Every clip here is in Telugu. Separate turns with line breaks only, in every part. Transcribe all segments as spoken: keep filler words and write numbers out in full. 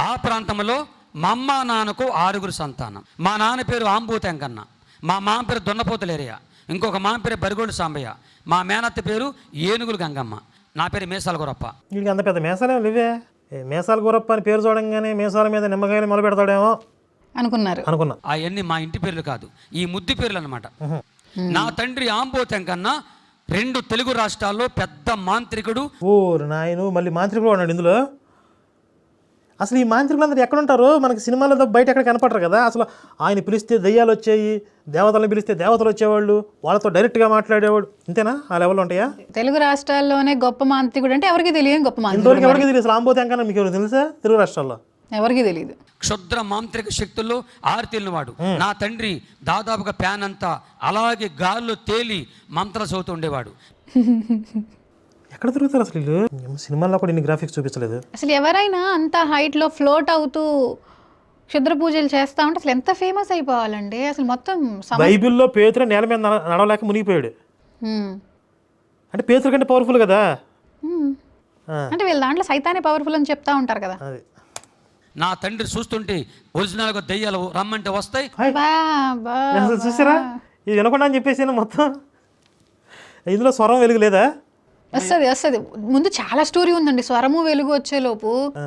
ఆ ప్రాంతంలో మా అమ్మ నాన్నకు ఆరుగురు సంతానం. మా నాన్న పేరు ఆంబూత వెంకన్న, మా మామ పేరు దున్నపోతులేరియా, ఇంకొక మామ పేరు బరిగోడు సాంబయ్య, మా మేనత్త పేరు ఏనుగులు గంగమ్మ, నా పేరు మీసాల గురప్ప.
వీడికి అంత పెద్ద మీసాలే లేవే. మీసాల గురప్ప అని పేరు చూడంగానే మీసాల మీద నిమ్మకాయలు మొదలు పెడతాడేమో అనుకున్నారు అనుకున్నా.
అవన్నీ మా ఇంటి పేర్లు కాదు, ఈ ముద్దు పేర్లు అనమాట. నా తండ్రి ఆంబూత వెంకన్న రెండు తెలుగు రాష్ట్రాల్లో పెద్ద మాంత్రికుడు.
ఓ నాయను, మళ్ళీ మాంత్రికుడు ఉన్నాడు ఇందులో. అసలు ఈ మాంత్రికులందరూ ఎక్కడుంటారు? మనకి సినిమాలో బయట ఎక్కడ కనపడరు కదా. అసలు ఆయన పిలిస్తే దయ్యాలు వచ్చాయి, దేవతలను పిలిస్తే దేవతలు వచ్చేవాళ్ళు, వాళ్ళతో డైరెక్ట్గా మాట్లాడేవాడు. ఇంతేనా? ఆ లెవెల్లో ఉంటాయా?
తెలుగు రాష్ట్రాల్లోనే గొప్ప మాంత్రికుడు అంటే ఎవరికి తెలియదు. గొప్ప మాంత్రికుడు
ఎవరికి తెలియదు. అసలు ఆంబోతే వెంకన్న మీకు ఎవరు తెలుసా? తెలుగు రాష్ట్రాల్లో
ఎవరికి తెలియదు.
క్షుద్ర మాంత్రిక శక్తుల్లో ఆరితేలినవాడు నా తండ్రి. దాదాపుగా ప్యాన్ అంతా అలాగే గాల్లో తేలి మంత్ర చదువుతూ ఉండేవాడు.
ఎక్కడ తిరుగుతారు అసలు వీళ్ళు? సినిమాల్లో కూడా ఇన్ని గ్రాఫిక్స్ చూపించలేదు.
అసలు ఎవరైనా అంత హైట్లో ఫ్లోట్ అవుతూ క్షుద్ర పూజలు చేస్తా ఉంటే అసలు ఎంత ఫేమస్ అయిపోవాలండి. అసలు మొత్తం
బైబిల్లో పేతురు నేల మీద నడవలేక మునిగిపోయాడు. అంటే పేతురు కంటే పవర్ఫుల్ కదా.
అంటే వీళ్ళ దాంట్లో సైతానే పవర్ఫుల్ అని చెప్తా ఉంటారు కదా.
నా తండ్రి చూస్తుంటే ఒరిజినల్గా దెయ్యాలు రమ్మంటే వస్తాయి.
చూసారా? ఇది వినకుండా అని చెప్పేసి మొత్తం ఇందులో స్వరం వెలుగు లేదా?
వస్తుంది వస్తుంది. ముందు చాలా స్టోరీ ఉందండి. స్వరము వెలుగు వచ్చేలోపు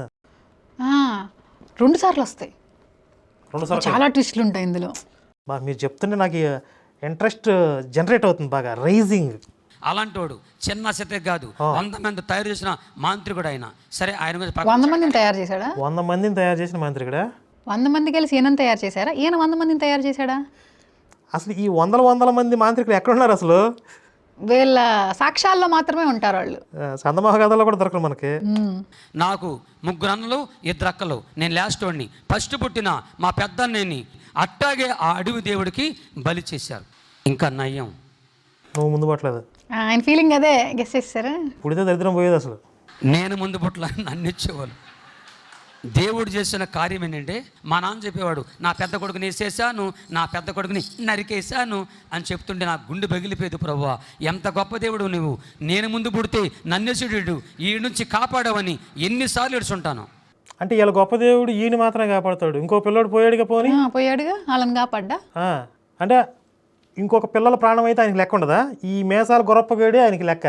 రెండు సార్లు వస్తాయి. చాలా ట్విస్ట్లు ఉంటాయి ఇందులో.
బాగా మీరు చెప్తుంటే నాకు ఇంట్రెస్ట్ జనరేట్ అవుతుంది బాగా, రైజింగ్.
అలాంటి వాడు చిన్న శత కాదు, వంద మంది తయారు చేసిన మాంత్రికుడు ఆయన. సరే, ఆయన మీద
వంద మందిని తయారు చేశాడా?
వంద మందిని తయారు చేసిన మాంత్రికుడా?
వంద మంది కలిసి ఈయన తయారు చేశారా? ఈయన వంద మందిని తయారు చేశాడా?
అసలు ఈ వందల వందల మంది మాంత్రికులు ఎక్కడున్నారు అసలు?
వీళ్ళ సాక్ష్యాల్లో మాత్రమే ఉంటారు వాళ్ళు.
సందమహగాథల్లో కూడా దొరకరు మనకి.
నాకు ముగ్గురు అన్నలు, ఇద్దరు అక్కలు. నేను లాస్ట్ వాడిని. ఫస్ట్ పుట్టిన మా పెద్దన్నని అట్టాగే ఆ అడవి దేవుడికి బలి చేశారు. ఇంకా నయ్యం,
నువ్వు ముందు పట్టలేదు.
ఆయన ఫీలింగ్ అదే గెస్ చేస్తారా?
పుడితే దరిద్రం పోయేది అసలు.
నేను ముందు పుట్ల నన్ను ఇచ్చేవాళ్ళు. దేవుడు చేసిన కార్యం ఏంటంటే, మా నాన్న చెప్పేవాడు, నా పెద్ద కొడుకుని వేసేసాను, నా పెద్ద కొడుకుని నరికేసాను అని చెప్తుంటే నాకు గుండె పగిలిపోయేది. ప్రభువా, ఎంత గొప్ప దేవుడు నువ్వు. నేను ముందు పుడితే నన్నెసుడు ఈ నుంచి కాపాడవని ఎన్నిసార్లు ఏడుచుంటాను.
అంటే ఇలా గొప్ప దేవుడు ఈయన మాత్రమే కాపాడుతాడు, ఇంకో పిల్లోడు పోయాడుగా. పోనీ
పోయాడుగా, వాళ్ళని కాపాడ్డా.
అంటే ఇంకొక పిల్లల ప్రాణం అయితే ఆయనకి లెక్క ఉండదా? ఈ మేసాల గొరప్పగేడే ఆయనకి లెక్క.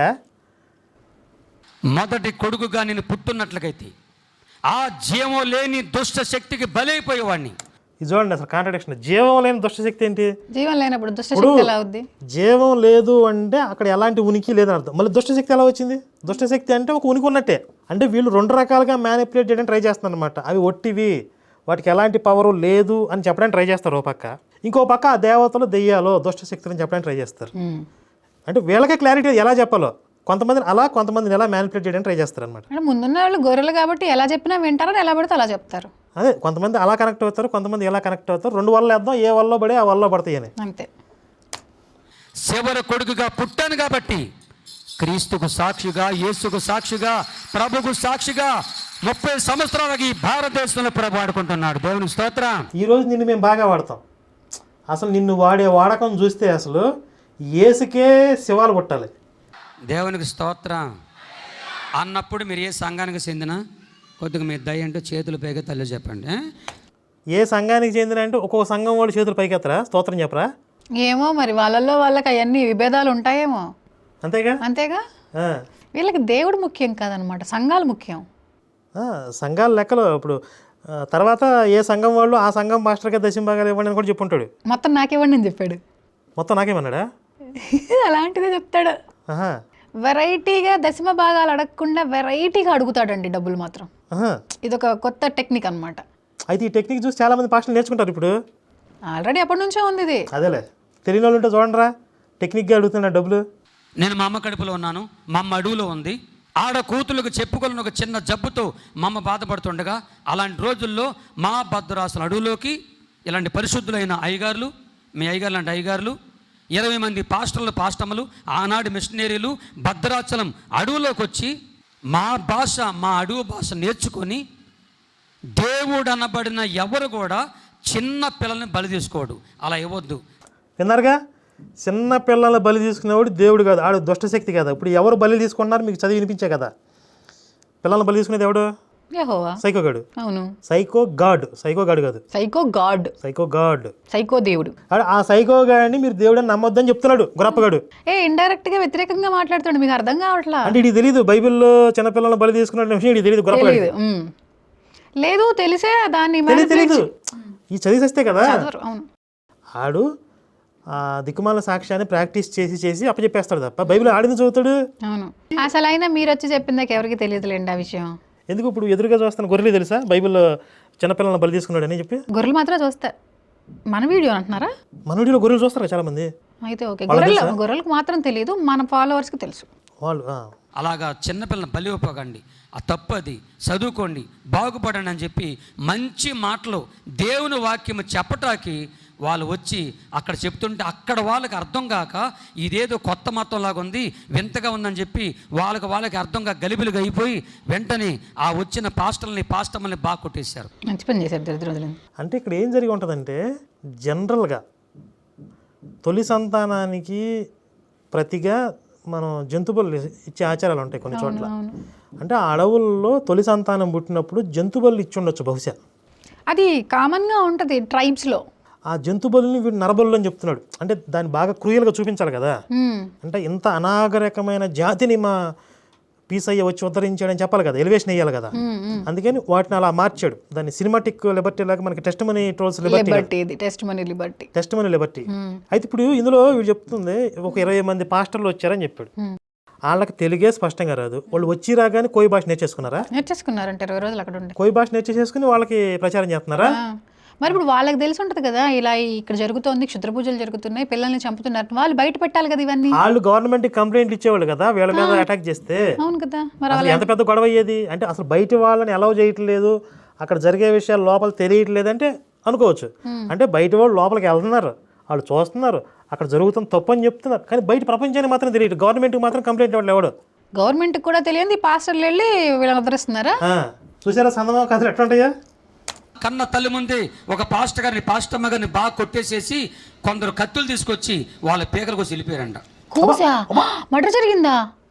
మొదటి కొడుకుగా నేను పుట్టున్నట్లకైతే ఆ జీవం లేని దుష్ట శక్తికి బలైపోయేవాడిని.
ఇది చూడండి అసలు కాంట్రడిక్షన్. జీవం లేని దుష్టశక్తి ఏంటి?
జీవం లేనప్పుడు దుష్టశక్తి ఎలా అవుద్ది?
జీవం లేదు అంటే అక్కడ ఎలాంటి ఉనికి లేదని అర్థం. మళ్ళీ దుష్టశక్తి ఎలా వచ్చింది? దుష్టశక్తి అంటే ఒక ఉనికి ఉన్నట్టే. అంటే వీళ్ళు రెండు రకాలుగా మ్యానిపులేట్ చేయడానికి ట్రై చేస్తున్నారు అనమాట. అవి ఒట్టివి, వాటికి ఎలాంటి పవరు లేదు అని చెప్పడానికి ట్రై చేస్తారు ఓ పక్క. ఇంకో పక్క ఆ దేవతలు దెయ్యాలో దుష్టశక్తులు అని చెప్పడానికి ట్రై చేస్తారు. అంటే వీళ్ళకే క్లారిటీ ఎలా చెప్పాలో. కొంతమందిని అలా, కొంతమందిని ఎలా మ్యానిపులేట్ చేయడానికి ట్రై చేస్తారు అనమాట.
అంటే ముందున్న వాళ్ళు గొర్రెలు కాబట్టి ఎలా చెప్పినా వింటారని ఎలా పడితే అలా చెప్తారు.
అదే, కొంతమంది అలా కనెక్ట్ అవుతారు, కొంతమంది ఎలా కనెక్ట్ అవుతారు. రెండు వల్ల వేద్దాం, ఏ వల్ల పడే ఆ వల్ల పడతాయి అని
అంతే.
చివరి కొడుకుగా పుట్టాను కాబట్టి క్రీస్తుకు సాక్షిగా, యేసుకు సాక్షిగా, ప్రభుకు సాక్షిగా ముప్పై సంవత్సరాలకి భారతదేశంలో ప్రభు వాడుకుంటున్నాడు. దేవుని స్తోత్రం.
ఈరోజు నిన్ను మేము బాగా వాడతాం. అసలు నిన్ను వాడే వాడకం చూస్తే అసలు యేసుకే శివాలు పుట్టాలి.
దేవునికి స్తోత్రం అన్నప్పుడు మీరు ఏ సంఘానికి చెందిన కొద్దిగా మీ దయ అంటే చేతులు పైగా తల్లి చెప్పండి.
ఏ సంఘానికి చెందిన అంటే ఒక్కొక్క సంఘం వాళ్ళు చేతులు పైకెత్తరా? స్తోత్రం చెప్పరా?
ఏమో మరి వాళ్ళల్లో వాళ్ళకి అవన్నీ విభేదాలు ఉంటాయేమో.
అంతేగా
అంతేగా వీళ్ళకి దేవుడు ముఖ్యం కాదనమాట, సంఘాలు ముఖ్యం.
సంఘాల లెక్కలో ఇప్పుడు తర్వాత ఏ సంఘం వాళ్ళు ఆ సంఘం మాస్టర్గా దశంభాగాలు ఇవ్వండి అని కూడా చెప్పుంటాడు.
మొత్తం నాకివ్వండి అని చెప్పాడు.
మొత్తం నాకేమన్నాడా?
అలాంటిదే చెప్తాడు. వెరైటీగా దశమ భాగాలు అడగకుండా వెరైటీగా అడుగుతాడండి డబ్బులు మాత్రం. ఇదొక కొత్త టెక్నిక్ అనమాట.
అయితే ఈ టెక్నిక్ చూసి చాలా మంది పాస్టర్లు నేర్చుకుంటారు ఇప్పుడు.
ఆల్రెడీ ఎప్పటి నుంచో ఉంది ఇది.
అదేలే, తెలియని వాళ్ళు ఉంటే చూడండిరా, టెక్నిక్గా అడుగుతున్నా డబ్బులు.
నేను మా అమ్మ కడుపులో ఉన్నాను, మా అమ్మ అడవులో ఉంది. ఆడ కూతులకు చెప్పుకోలేని ఒక చిన్న జబ్బుతో మా అమ్మ బాధపడుతుండగా, అలాంటి రోజుల్లో మా భద్రాసుల అడవులోకి ఇలాంటి పరిశుద్ధులైన అయ్యగారులు, మీ అయ్యగారు లాంటి అయ్యగారులు, ఇరవై మంది పాస్టర్లు, పాస్టమ్మలు, ఆనాడు మిషనరీలు భద్రాచలం అడవులోకి వచ్చి మా భాష, మా అడవు భాష నేర్చుకొని, దేవుడు అనబడిన ఎవరు కూడా చిన్న పిల్లల్ని బలి తీసుకోడు. అలా ఇవ్వద్దు.
విన్నారుగా, చిన్న పిల్లల్ని బలి తీసుకునేవాడు దేవుడు కాదు, ఆడు దుష్టశక్తి కదా. ఇప్పుడు ఎవరు బలి తీసుకున్నారు మీకు చదివి వినిపించే కదా. పిల్లల్ని బలి తీసుకునేది ఎవడు?
యెహోవా.
సైకో గాడు.
అవును.
సైకో గాడ్, సైకో గాడు కాదు,
psycho god,
psycho god.
Psycho దేవుడు.
ఆ సైకో గాడిని మీరు దేవుడు అని నమ్మొద్దని చెప్తున్నాడు గురప్పగాడు.
ఏ ఇండైరెక్ట్ గా వ్యతిరేకంగా మాట్లాడుతాడు, మీకు అర్థం కావట్లా?
అంటే ఇది తెలియదు, బైబిల్లో చిన్నపిల్లలను బలి తీసుకున్న విషయం ఇది తెలియదు గురప్పగాడు.
తెలీదు. ఉమ్. లేదు తెలిసే దాన్ని
తెలియదు తెలీదు ఈ చదివేస్తే కదా.
చదవరు. అవును.
ఆడు ఆ దిక్కుమాల సాక్ష్యాన్ని ప్రాక్టీస్ చేసి చేసి అప్పచెప్పేస్తాడు తప్ప బైబిల్ ఆడింది చదువుతాడు.
అవును. అసలు అయినా మీరు వచ్చి చెప్పిందాక ఎవరికి తెలియదులేండి ఆ విషయం.
ఎందుకు ఇప్పుడు ఎదురుగా చూస్తాను గొర్రెలు తెలుసా బైబిల్లో చిన్నపిల్లలను బలి తీసుకున్నాడు అని చెప్పి?
గొర్రెలు మాత్రం చూస్తారు. మన వీడియో అంటున్నారా?
మన వీడియోలో గొర్రెలు చూస్తారు చాలా మంది.
అయితే ఓకే, గొర్రెలు గొర్రెలకు మాత్రం తెలియదు, మన ఫాలోవర్స్కి తెలుసు.
వాళ్ళు
అలాగా చిన్నపిల్లలను బలి ఇవ్వకండి, ఆ తప్పది, చదువుకోండి, బాగుపడండి అని చెప్పి మంచి మాటలు దేవుని వాక్యము చెప్పటానికి వాళ్ళు వచ్చి అక్కడ చెప్తుంటే అక్కడ వాళ్ళకి అర్థం కాక ఇదేదో కొత్త మతం లాగా ఉంది, వింతగా ఉందని చెప్పి వాళ్ళకి వాళ్ళకి అర్థం కాక గలిబిలిగా అయిపోయి వెంటనే ఆ వచ్చిన పాస్టర్ని పాస్టర్ని బాగా కొట్టేశారు.
మంచి పని చేశారు దరిద్రులు.
అంటే ఇక్కడ ఏం జరిగి ఉంటుందంటే జనరల్గా తొలి సంతానానికి ప్రతిగా మనం జంతుబలు ఇచ్చే ఆచారాలు ఉంటాయి కొన్ని చోట్ల. అంటే ఆ అడవుల్లో తొలి సంతానం పుట్టినప్పుడు జంతుబలు ఇచ్చి ఉండొచ్చు బహుశా.
అది కామన్గా ఉంటుంది ట్రైబ్స్లో.
ఆ జంతుబలిని వీడు నరబలు అని చెప్తున్నాడు. అంటే దాన్ని బాగా క్రూయల్గా చూపించాలి కదా. అంటే ఇంత అనాగరికమైన జాతిని మా పీసయ్య వచ్చి ఉద్ధరించాడని చెప్పాలి కదా, ఎలివేషన్ వేయాలి కదా. అందుకని వాటిని అలా మార్చాడు. దాన్ని సినిమాటిక్ లిబర్టీ లాగా మనకి test money trolls liberty,
test money liberty,
test money liberty. అయితే ఇప్పుడు ఇందులో వీడు చెప్తుంది ఒక ఇరవై మంది పాస్టర్లు వచ్చారని చెప్పాడు. వాళ్ళకి తెలుగే స్పష్టంగా రాదు, వాళ్ళు వచ్చి రాగానే కోయి భాష నేర్చేసుకున్నారా?
నేర్చేసుకున్నారంటే ఇరవై రోజులు అక్కడ ఉండే
కోయి భాష నేర్చేసుకుని వాళ్ళకి ప్రచారం చేస్తున్నారా?
మరి ఇప్పుడు వాళ్ళకి తెలిసి ఉంటుంది కదా ఇలా ఇక్కడ జరుగుతోంది, క్షుద్ర పూజలు జరుగుతున్నాయి, పిల్లల్ని చంపుతున్నారు, వాళ్ళు బయట పెట్టాలి కదా ఇవన్నీ.
వాళ్ళు గవర్నమెంట్ కంప్లైంట్ ఇచ్చేవాళ్ళు కదా వీళ్ళ మీద అటాక్ చేస్తే.
అవును కదా, మరి
అసలు ఎంత పెద్ద గొడవ అయ్యేది. అంటే అసలు బయట వాళ్ళని అలౌ చేయట్లేదు, అక్కడ జరిగే విషయాలు లోపల తెలియట్లేదు అంటే అనుకోవచ్చు. అంటే బయట వాళ్ళు లోపలికి వెళ్తున్నారు, వాళ్ళు చూస్తున్నారు, అక్కడ జరుగుతున్న తప్పు అని చెప్తున్నారు, కానీ బయట ప్రపంచానికి మాత్రం తెలియదు. గవర్నమెంట్కి మాత్రం కంప్లైంట్ ఇవ్వడం ఎవడు?
గవర్నమెంట్కి కూడా తెలియదు, పాస్టర్లు వెళ్ళి వీళ్ళని ఉద్ధరిస్తున్నారా?
చూసారా సందమా కథలు ఎట్లా ఉంటాయా?
కన్న తల్లి ముందే ఒక పాస్టర్ గారిని పాస్టమ్మ గారిని బాగా కొట్టేసేసి కొందరు కత్తులు తీసుకొచ్చి వాళ్ళ పీకలకు వచ్చి వెళ్ళిపోయారంట.
కూసా మర్డర్ జరిగిందా?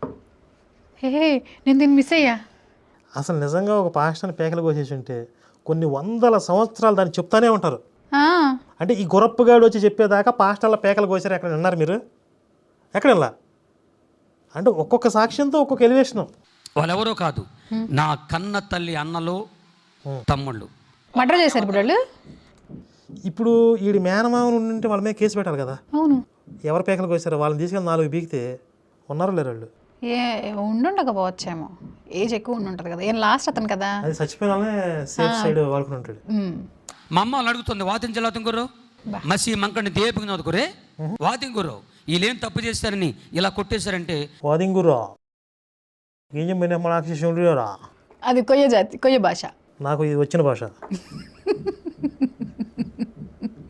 హే నేను దీన్ని మిస్ అయ్యా.
అసలు నిజంగా ఒక పాస్టర్ని పీకలు కోసేసి ఉంటే కొన్ని వందల సంవత్సరాలు దాన్ని చెప్తానే ఉంటారు. అంటే ఈ గురప్పగాడు వచ్చి చెప్పేదాకా పాస్టర్ల పేకలు కోసారు ఎక్కడ విన్నారు మీరు? ఎక్కడ ఇలా? అంటే ఒక్కొక్క సాక్ష్యంతో ఒక్కొక్క ఎలివేషను.
వాళ్ళెవరో కాదు, నా కన్న తల్లి అన్నలు తమ్ముళ్ళు
మర్డర్ చేశారు ఇప్పుడు వాళ్ళు.
ఇప్పుడు వీడి మేనమామను ఉంటే వాళ్ళ మీద కేసు పెట్టాలి కదా.
అవును,
ఎవరు పేకలు కోసారో వాళ్ళని తీసుకెళ్ళి నాలుగు బీకితే ఉన్నారో లేరు వాళ్ళు.
ఏ ఉండుండకపోవచ్చేమో, ఏజ్ ఎక్కువ ఉండుంటది కదా, ఏం లాస్ట్ అతను కదా,
అది చచ్చిపోయిన వాళ్ళనే సేఫ్ సైడ్ వాడుకుని ఉంటాడు.
మా అమ్మ వాళ్ళు అడుగుతుంది, వాతించలాతం గుర్రు మసి మంకడిని దేపుకుని వదుకురే వాతింగురు వీళ్ళేం తప్పు చేస్తారని ఇలా కొట్టేశారంటే
వాదింగురా ఏం చెప్పిన మన
అది కొయ్య జాతి, కొయ్య భాష.
నాకు ఇది వచ్చిన భాష.